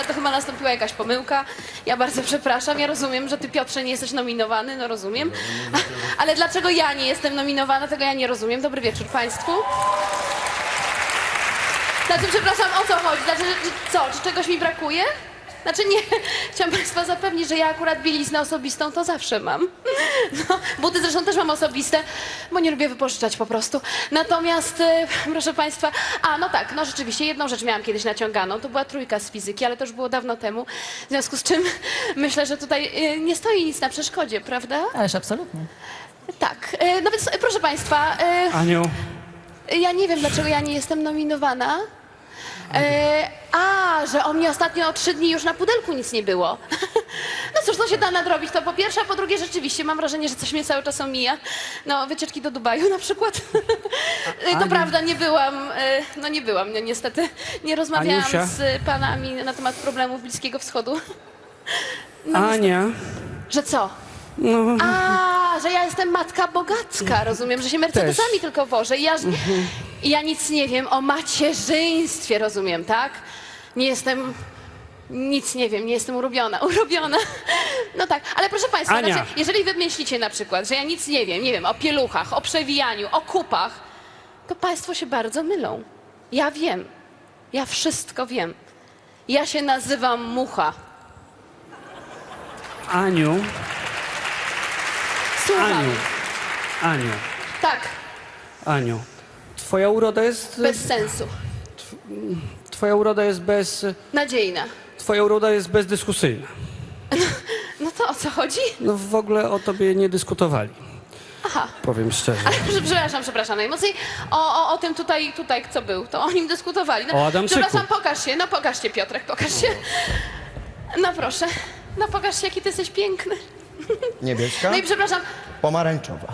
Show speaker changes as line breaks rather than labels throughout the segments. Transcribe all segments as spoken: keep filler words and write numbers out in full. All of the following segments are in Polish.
ale to chyba nastąpiła jakaś pomyłka. Ja bardzo przepraszam, ja rozumiem, że ty, Piotrze, nie jesteś nominowany, no rozumiem. Ale dlaczego ja nie jestem nominowana, tego ja nie rozumiem. Dobry wieczór państwu. Znaczy, przepraszam, o co chodzi? Znaczy, czy, co, czy czegoś mi brakuje? Znaczy nie, chciałam państwa zapewnić, że ja akurat bieliznę osobistą to zawsze mam. No, buty zresztą też mam osobiste, bo nie lubię wypożyczać po prostu. Natomiast, e, proszę państwa, a no tak, no rzeczywiście, jedną rzecz miałam kiedyś naciąganą, to była trójka z fizyki, ale to już było dawno temu. W związku z czym myślę, że tutaj e, nie stoi nic na przeszkodzie, prawda?
Ależ absolutnie.
Tak, e, no więc e, proszę państwa, e,
Aniu,
ja nie wiem, dlaczego ja nie jestem nominowana. E, a, że o mnie ostatnio trzy dni już na pudelku nic nie było. No cóż, to się da nadrobić, to po pierwsze, a po drugie rzeczywiście mam wrażenie, że coś mnie cały czas omija. No, wycieczki do Dubaju na przykład. E, to
Aniu.
prawda, nie byłam, e, no nie byłam, no, niestety. Nie rozmawiałam
Aniusia.
z panami na temat problemów Bliskiego Wschodu. No,
Ania,
że co?
no,
A, że ja jestem matka bogacka, rozumiem, że się Mercedesami tylko wożę. I ja, i ja nic nie wiem o macierzyństwie, rozumiem, tak? Nie jestem, nic nie wiem, nie jestem urobiona, urobiona. No tak, ale proszę państwa,
Ania.
znaczy, jeżeli wy myślicie na przykład, że ja nic nie wiem, nie wiem, o pieluchach, o przewijaniu, o kupach, to państwo się bardzo mylą. Ja wiem, ja wszystko wiem. Ja się nazywam Mucha.
Aniu,
Słucham.
Aniu, Aniu,
Tak,
Aniu. Twoja uroda jest...
bez sensu.
Twoja uroda jest bez...
Nadziejna.
Twoja uroda jest bezdyskusyjna.
No to o co chodzi?
No w ogóle o tobie nie dyskutowali.
Aha.
Powiem szczerze.
Ale przepraszam, przepraszam najmocniej. O, o, o tym tutaj, tutaj kto był, to o nim dyskutowali. No,
O Adamczyku.
przepraszam, pokaż się, no pokaż się, Piotrek, pokaż się. No proszę, no pokaż się, jaki ty jesteś piękny.
Niebieska?
No i przepraszam,
Pomarańczowa.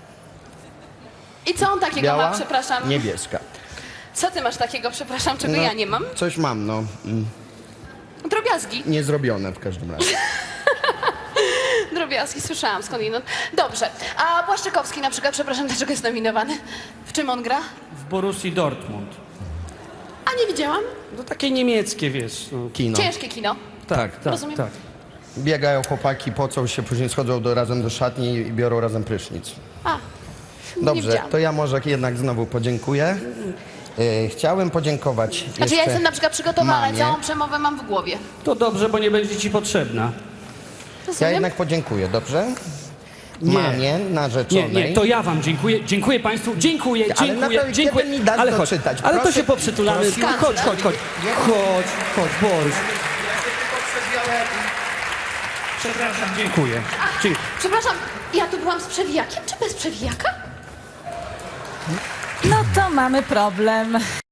i co on takiego
Biała?
ma, przepraszam?
Niebieska.
Co ty masz takiego, przepraszam, czego
No,
ja nie mam?
Coś mam, no. Mm,
Drobiazgi,
niezrobione w każdym razie.
drobiazgi, słyszałam skądinąd. Dobrze, a Błaszczykowski na przykład, przepraszam, dlaczego jest nominowany? W czym on gra?
W Borussii Dortmund.
A nie widziałam.
No takie niemieckie, wiesz. No.
Kino.
Ciężkie kino.
Tak, tak,
Rozumiem.
tak.
Biegają chłopaki, pocą się, później schodzą do, razem do szatni i biorą razem prysznic.
A, nie
Dobrze,
widziałam.
to ja może jednak znowu podziękuję. E, chciałem podziękować
Znaczy
jeszcze
ja jestem na przykład przygotowana,
mamie.
całą przemowę mam w głowie.
To dobrze, bo nie będzie ci potrzebna.
Ja
Rozumiem?
jednak podziękuję, dobrze?
Nie.
Mamie narzeczonej.
Nie, nie, to ja wam dziękuję. Dziękuję państwu, dziękuję,
Ale
dziękuję,
naprawdę,
dziękuję.
kiedy mi dasz
ale chodź,
doczytać?
ale to
Proszę-
się poprzytulamy.
proszę.
No, chodź, chodź, chodź. Chodź, chodź, Boruś. Przepraszam, dziękuję. Dziękuję.
Przepraszam, ja tu byłam z przewijakiem, czy bez przewijaka?
No to mamy problem.